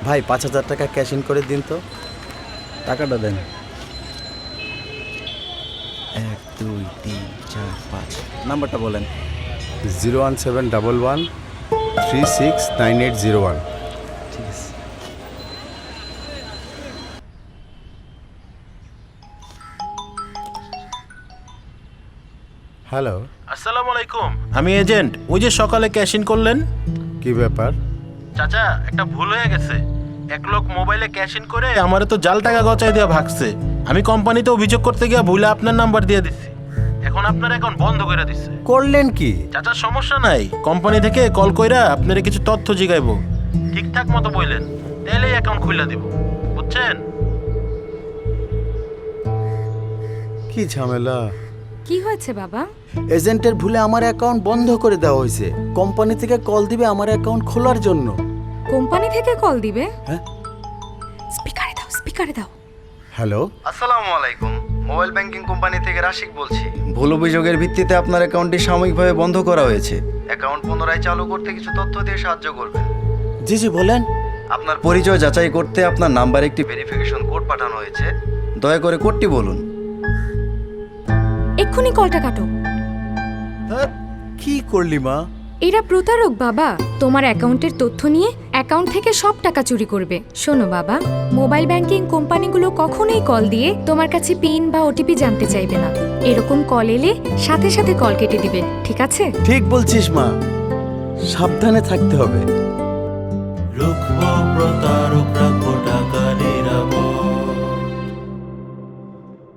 ভাই 5,000 টাকা cash in করে দিন তো। টাকাটা দেন। 1 2 3 4 5 নাম্বারটা বলেন। 01711369801। ঠিক আছে। হ্যালো, আসসালামু আলাইকুম, আমি এজেন্ট। ওই যে সকালে ক্যাশ ইন করলেন। কি ব্যাপার? চাচা, একটা ভুল হয়ে গেছে। এক লোক মোবাইলে ক্যাশ ইন করে আমারে তো জাল টাকা গচাই দিয়ে ভাগছে। আমি কোম্পানিতে অভিযোগ করতে গিয়ে ভুলে আপনার নাম্বার দিয়ে দিচ্ছি। এখন আপনার অ্যাকাউন্ট বন্ধ করে দিচ্ছে। করলেন কি? চাচা, সমস্যা নাই, কোম্পানি থেকে কল কইরা আপনারে কিছু তথ্য জিগাইবো। ঠিকঠাক মতো বললেন, তাহলেই অ্যাকাউন্ট খুলে দিব, বুঝছেন? কি ঝামেলা! কি হয়েছে বাবা? এজেন্টের ভুলে আমার অ্যাকাউন্ট বন্ধ করে দেওয়া হয়েছে। কোম্পানি থেকে কল দিবে আমার অ্যাকাউন্ট খোলার জন্য। কোম্পানি থেকে কল দিবে? হ্যাঁ। স্পিকারে দাও। হ্যালো, আসসালামু আলাইকুম, মোবাইল ব্যাংকিং কোম্পানি থেকে রাশিক বলছি। ভুল অভিযোগের ভিত্তিতে আপনার অ্যাকাউন্টটি সাময়িকভাবে বন্ধ করা হয়েছে। অ্যাকাউন্ট পুনরায় চালু করতে কিছু তথ্য দিয়ে সাহায্য করবেন। জি জি বলেন। আপনার পরিচয় যাচাই করতে আপনার নাম্বারে একটি ভেরিফিকেশন কোড পাঠানো হয়েছে। দয়া করে কোডটি বলুন। এক্ষুনি কলটা কাটো। কি করলি মা? এরা প্রতারক বাবা। তোমার অ্যাকাউন্টের তথ্য নিয়ে অ্যাকাউন্ট থেকে সব টাকা চুরি করবে। শোনো বাবা, মোবাইল ব্যাংকিং কোম্পানিগুলো কখনোই কল দিয়ে তোমার কাছে পিন বা ওটিপি জানতে চাইবে না। এরকম কল এলে সাথে সাথে কল কেটে দিবে, ঠিক আছে? ঠিক বলছিস মা, সাবধানে থাকতে হবে। রুখবো প্রতারণা।